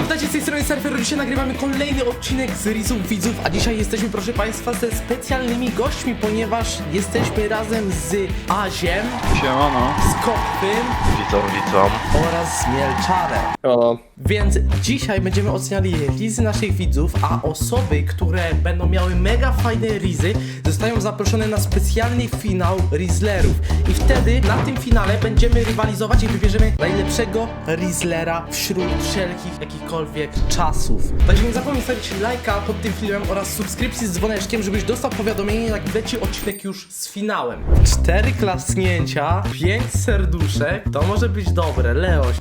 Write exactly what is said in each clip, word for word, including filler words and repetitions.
Witajcie z tej strony Surfer, dzisiaj nagrywamy kolejny odcinek z Rizów Widzów, a dzisiaj jesteśmy, proszę państwa, ze specjalnymi gośćmi, ponieważ jesteśmy razem z Aziem, Siemano. z Kopfym Witam, witam. oraz z Mielczarem. O, Więc dzisiaj będziemy oceniali rizy naszych widzów, a osoby, które będą miały mega fajne rizy, zostają zaproszone na specjalny finał Rizlerów. I wtedy na tym finale będziemy rywalizować i wybierzemy najlepszego Rizlera wśród wszelkich jakichkolwiek czasów. Także nie zapomnij stawić lajka pod tym filmem oraz subskrypcji z dzwoneczkiem, żebyś dostał powiadomienie, jak leci odcinek już z finałem. Cztery klasnięcia, pięć serduszek, to może być dobre, Leoś.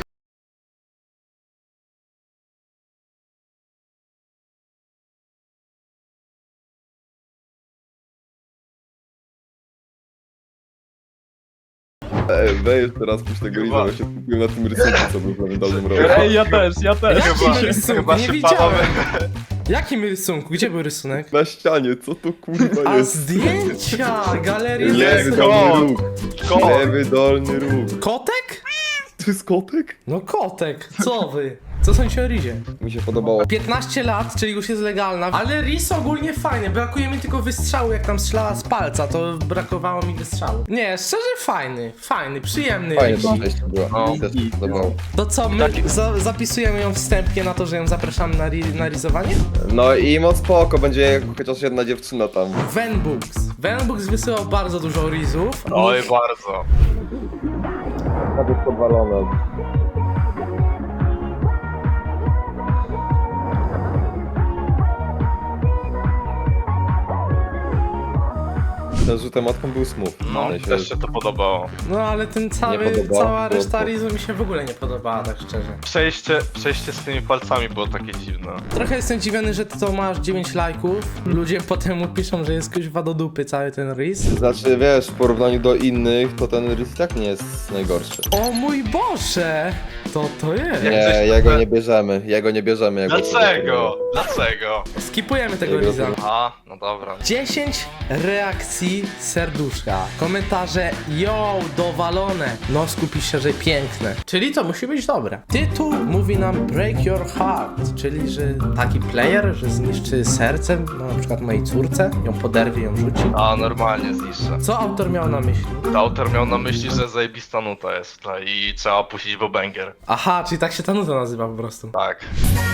Ej, weź teraz puść tego Riza, bo się skupiłem na tym rysunku, co był w pamiętnym roku. ej, ja też, ja też. Jakim rysunku? chyba Nie się widziałem. panowie- Jakim rysunku? Gdzie był rysunek? Na ścianie, co to kurwa A jest? zdjęcia! Galeria Lewy rysunków. dolny róg. Kot. Lewy dolny róg. Kotek? To jest kotek? No kotek, co wy? Co sądzicie o Rizie? Mi się podobało. piętnaście lat, czyli już jest legalna, ale Riz ogólnie fajny, brakuje mi tylko wystrzału, jak tam strzelała z palca, to brakowało mi wystrzału. Nie, szczerze fajny, fajny, przyjemny Fajnie Riz. to przejście było. No. Mi też się podobało. To co, my za zapisujemy ją wstępnie na to, że ją zapraszamy na, ri na rizowanie? No i moc spoko, będzie chociaż jedna dziewczyna tam. Venbooks. Venbooks wysyłał bardzo dużo Rizów. Oj, bardzo. Nawet podwalone. Ten rzutem matką był smooth. No, W sensie- też się to podobało. No ale ten cały, podobało, cała bo- reszta bo- Rizu mi się w ogóle nie podobała, tak szczerze. Przejście, przejście z tymi palcami było takie dziwne. Trochę jestem dziwiony, że ty to masz dziewięć lajków. Ludzie potem mu piszą, że jest kuźwa do dupy cały ten Riz. Znaczy wiesz, w porównaniu do innych, to ten rys tak nie jest najgorszy. O mój Boże! To to jest. Jak Nie, coś- jego nie bierzemy, jego nie bierzemy. Jego Dlaczego? Dlaczego? Skipujemy tego Jego Riza. A, no dobra. dziesięć reakcji serduszka. Komentarze yo, dowalone. No skupi się, że piękne. Czyli to musi być dobre. Tytuł mówi nam Break Your Heart, czyli że taki player, że zniszczy serce, no, na przykład mojej córce, ją poderwie, ją rzuci. A, normalnie zniszczę. Co autor miał na myśli? To autor miał na myśli, że zajebista nuta jest w tle i trzeba puścić bobanger. Aha, czyli tak się ta nuta nazywa po prostu. Tak.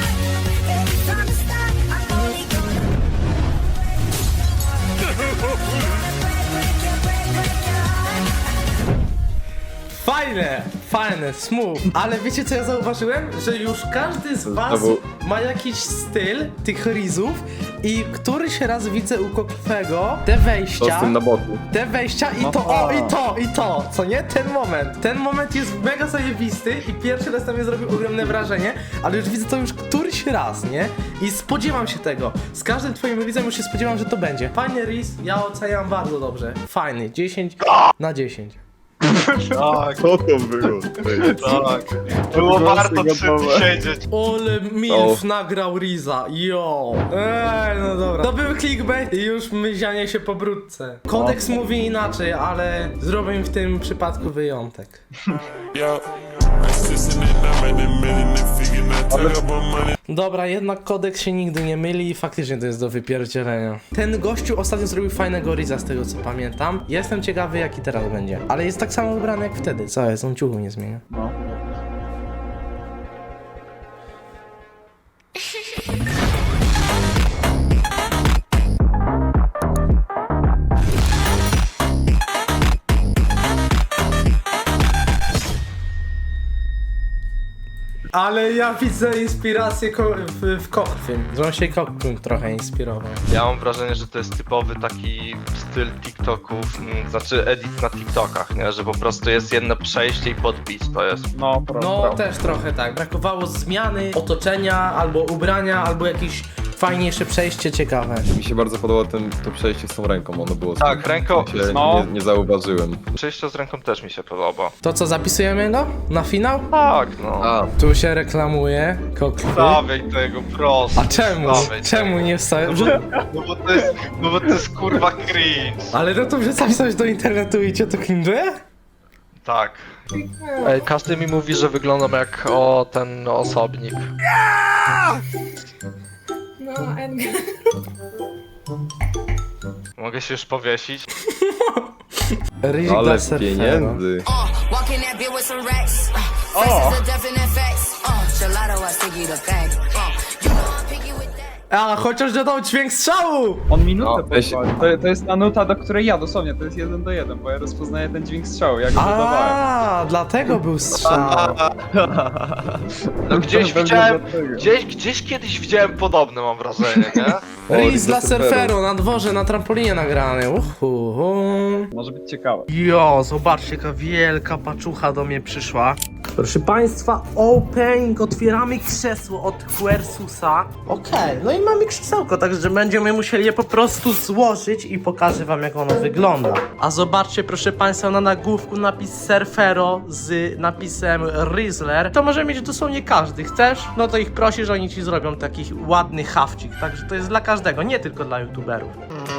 Fajne, fajne, smooth. Ale wiecie co ja zauważyłem? Że już każdy z was Znowu- ma jakiś styl tych rizów i któryś raz widzę u Kokwego te To z wejścia, tym na boku. te wejścia i to, o i to, i to, co nie? Ten moment. Ten moment jest mega zajebisty i pierwszy raz na mnie zrobił ogromne wrażenie, ale już widzę to już któryś raz, nie? I spodziewam się tego. Z każdym twoim rizem już się spodziewam, że to będzie. Fajny riz, ja oceniam bardzo dobrze. Fajny, dziesięć na dziesięć. Tak, Co to było? tak. Było warto przy tym siedzieć. Ole Milf nagrał Riza, yo! Ej, no dobra. To był clickbait i już myzianie się po brudce. Kodeks mówi inaczej, ale zrobię w tym przypadku wyjątek. Dobra, jednak kodeks się nigdy nie myli i faktycznie to jest do wypierdzielenia. Ten gościu ostatnio zrobił fajnego Riza z tego co pamiętam. Jestem ciekawy jaki teraz będzie. Ale jest tak samo ubrany jak wtedy. Co jest? On ciuchu nie zmienia. Ale ja widzę inspirację ko w, w Kokwym, że on się Kokwym trochę inspirował. Ja mam wrażenie, że to jest typowy taki styl TikToków, mm, znaczy edit na TikTokach, nie? Że po prostu jest jedno przejście i podbić to jest. No, prawda. No też trochę tak, brakowało zmiany otoczenia, albo ubrania, albo jakieś fajniejsze przejście ciekawe. Mi się bardzo podobało ten, to przejście z tą ręką, ono było... Tak, ręką- Ja się no. nie, nie zauważyłem. Przejście z ręką też mi się podoba. To co, zapisujemy go na finał? Tak, no. A, Tu się reklamuje Kokwy. Stawiaj tego prosto. A czemu? Stawiaj Czemu tego. nie wstałem? No bo to jest, no bo to jest kurwa cringe. Ale no to, że zapisałeś do internetu i cię to cringe'uje? Tak. Ej, każdy mi mówi, że wyglądam jak o ten osobnik. No, Edgar. Mogę się już powiesić? Rizik Ale dla surfera. pieniędzy. Walk in that bitch with some racks. Uh, faces are definite facts. Uh, gelato, I sticky the bag. Uh, you know I'm picky with that. A, chociaż dodał dźwięk strzału! On minutę No, weź- pozwolił. To, to jest ta nuta, do której ja dosłownie, to jest jeden do jeden, bo ja rozpoznaję ten dźwięk strzału, jak go dodawałem. A, dlatego był strzał. No gdzieś Pewnie widziałem, dlatego. gdzieś, gdzieś kiedyś widziałem podobne, mam wrażenie, nie? Riz dla surfera. surferu na dworze, na trampolinie nagrany. Uhu. Może być ciekawe. Jo, zobaczcie, jaka wielka paczucha do mnie przyszła. Proszę Państwa, opening, otwieramy krzesło od Quersusa. Okej, no i mamy krzesełko, także będziemy musieli je po prostu złożyć i pokażę Wam, jak ono wygląda. A zobaczcie, proszę Państwa, na nagłówku napis Surfero z napisem Rizzler. To może mieć dosłownie każdy. Chcesz? No to ich prosisz, oni Ci zrobią taki ładny hawcik. Także to jest dla każdego, nie tylko dla youtuberów.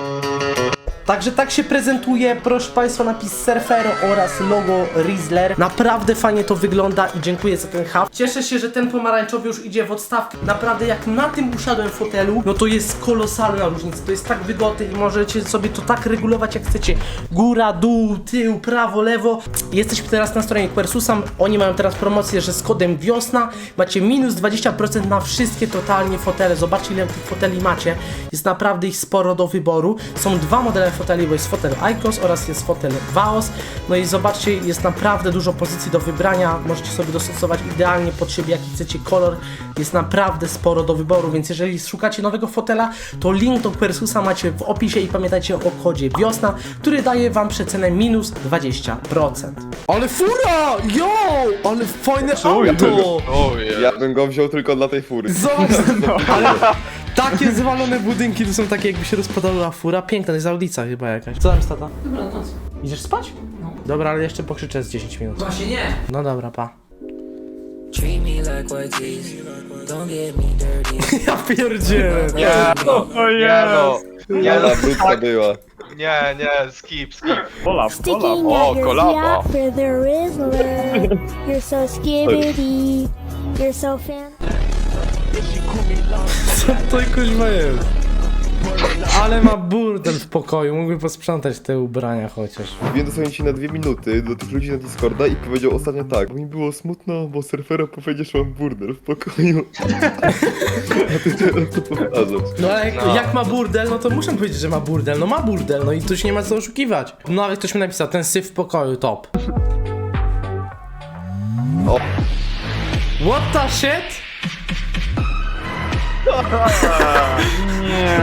Także tak się prezentuje, proszę Państwa, napis Surfero oraz logo Rizzler. Naprawdę fajnie to wygląda i dziękuję za ten hub. Cieszę się, że ten pomarańczowy już idzie w odstawkę. Naprawdę jak na tym usiadłem w fotelu, no to jest kolosalna różnica. To jest tak wygodne i możecie sobie to tak regulować jak chcecie. Góra, dół, tył, prawo, lewo. Jesteśmy teraz na stronie Quersusa. Oni mają teraz promocję, że z kodem wiosna macie minus dwadzieścia procent na wszystkie totalnie fotele. Zobaczcie, ile tych foteli macie. Jest naprawdę ich sporo do wyboru. Są dwa modele foteli, bo jest fotel Icos oraz jest fotel Vaos. No i zobaczcie, jest naprawdę dużo pozycji do wybrania. Możecie sobie dostosować idealnie pod siebie, jaki chcecie kolor. Jest naprawdę sporo do wyboru, więc jeżeli szukacie nowego fotela, to link do Quersusa macie w opisie i pamiętajcie o kodzie wiosna, który daje Wam przecenę minus dwadzieścia procent. Ale fura! Yo! Ale fajne auto! Ojej. Ja bym go wziął tylko dla tej fury. Zobacz, ale takie zwalone budynki to są takie, jakby się rozpadała fura. Piękna, to jest audica chyba jakaś. Co tam jest, tata? Dobra, noc. Idziesz spać? No. Dobra, ale jeszcze pokrzyczę z dziesięć minut. Właśnie nie. No dobra, pa. Treat me like Ortiz. Don't get me dirty. Ja pierdzielę. Nie no, O nie no, nie no, Ale brudka była. nie, nie, skip, skip. Polap, Sticking polap. Oh, at your kolaba. yacht for the Rizzler. You're so skibbity. You're so fan. Co to kuźma jest? Ale ma burdel w pokoju, mógłby posprzątać te ubrania chociaż. Wbiłem dosłownie ci na dwie minuty do tych ludzi na Discorda i powiedział ostatnio tak. Bo mi było smutno, bo surfero powiedział, że mam burdel w pokoju. A ty teraz to powtarzasz. No ale jak, No. jak ma burdel, no to muszę powiedzieć, że ma burdel. No ma burdel, no i tu się nie ma co oszukiwać. No ale ktoś mi napisał, ten syf w pokoju, top. O. What the shit? Nie,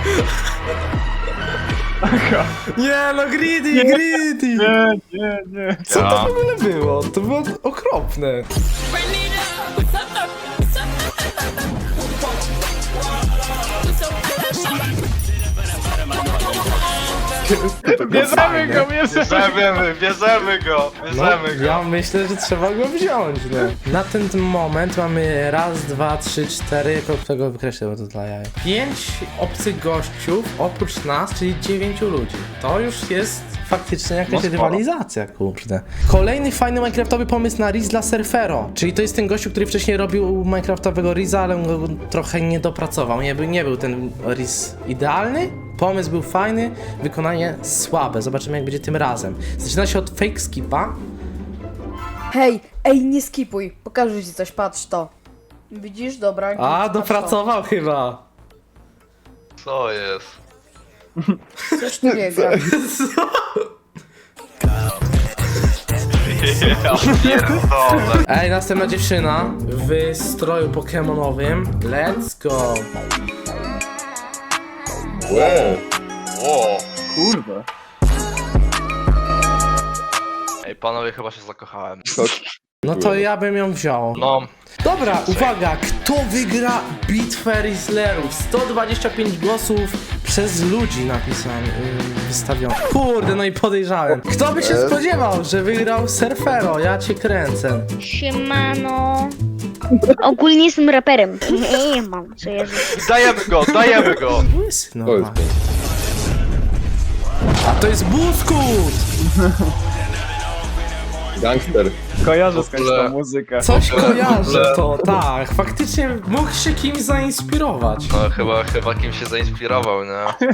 Nie no, greedy, greedy! nie, nie, nie. Co to w ogóle było? To było okropne. Bierzemy go, bierzemy. Bierzemy, bierzemy go, No, bierzemy go. ja myślę, że trzeba go wziąć, no. Na ten moment mamy raz, dwa, trzy, cztery, jako tego wykreślę, bo to dla jaj. Pięć obcych gościów oprócz nas, czyli dziewięciu ludzi. To już jest faktycznie jakaś No sporo. rywalizacja, kurde. Kolejny fajny minecraftowy pomysł na Riz dla Surfero. Czyli to jest ten gościu, który wcześniej robił minecraftowego Riza, ale go trochę nie dopracował. Nie, był- nie był ten Riz idealny. Pomysł był fajny, wykonanie słabe. Zobaczymy, jak będzie tym razem. Zaczyna się od fake skipa. Hej, ej, nie skipuj, pokażę ci coś, patrz to. Widzisz? Dobra. A, patrz to. dopracował chyba. Co jest? Coś tu nie gra. Ja pierdolę. Ej, następna dziewczyna w stroju pokemonowym. Let's go. Wow. O. Kurde. Ej, panowie, chyba się zakochałem. No to ja bym ją wziął. No, Dobra, uwaga, kto wygra bitwę Rizzlerów? sto dwadzieścia pięć głosów przez ludzi napisałem, yy, wystawionych. Kurde, no i podejrzałem. Kto by się spodziewał, że wygrał Surfero? Ja cię kręcę. Siemano. Ogólnie jestem raperem. Nie mam, co ja dajemy go, dajemy go. Łysy, no. To jest A to jest Buskut! Gangster. Kojarzę W skądś ogóle- tą muzykę. Coś W ogóle- w kojarzę ogóle- to, tak. Faktycznie mógł się kimś zainspirować. No chyba, chyba kim się zainspirował, nie?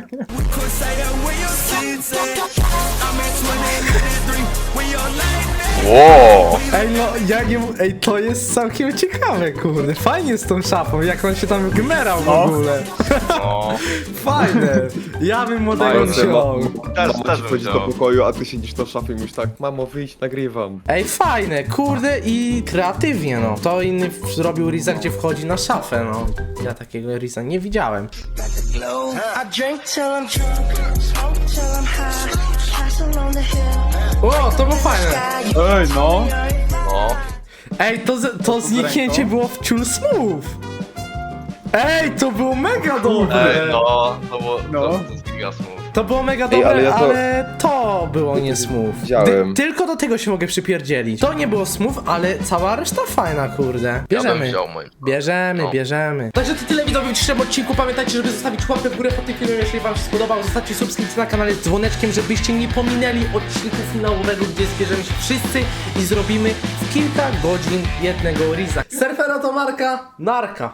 Wow! Ej, no, ja nie... Ej, to jest całkiem ciekawe, kurde. Fajnie z tą szafą, jak on się tam gmerał w No. ogóle. No, Fajne. Ja bym młodego Fajne, wziął. też, Mama też ci bym wchodzi do wziął. pokoju, a ty siedzisz na szafie i mówisz tak, mamo wyjdź, nagrywam. Ej, fajne, kurde i kreatywnie, no. To inny w- zrobił Riza, gdzie wchodzi na szafę, no. Ja takiego Riza nie widziałem. I drink till I'm drunk, smoke till I'm high, pass along the hill. O, to było fajne. Ej, no. No. Ej, to, z- to zniknięcie ręką? było w Ciul Smooth. Ej, to było mega dobre. Ej, no, to było, No. to, to jest giga smooth. To było mega Ej, dobre, ale ale, ja to- to było nie smooth. Widziałem. Dy- tylko do tego się mogę przypierdzielić. To nie było smooth, ale cała reszta fajna, kurde. Ja bym Bierzemy. wziął mój. Bierzemy, No. bierzemy. Także to tyle widzowie w dzisiejszym odcinku. Pamiętajcie, żeby zostawić łapkę w górę pod tym filmem, jeżeli wam się spodobał. Zostawcie subskrypcję na kanale z dzwoneczkiem, żebyście nie pominęli odcinku finałowego, gdzie zbierzemy się wszyscy i zrobimy w kilka godzin jednego Riza. Surfera to marka, narka.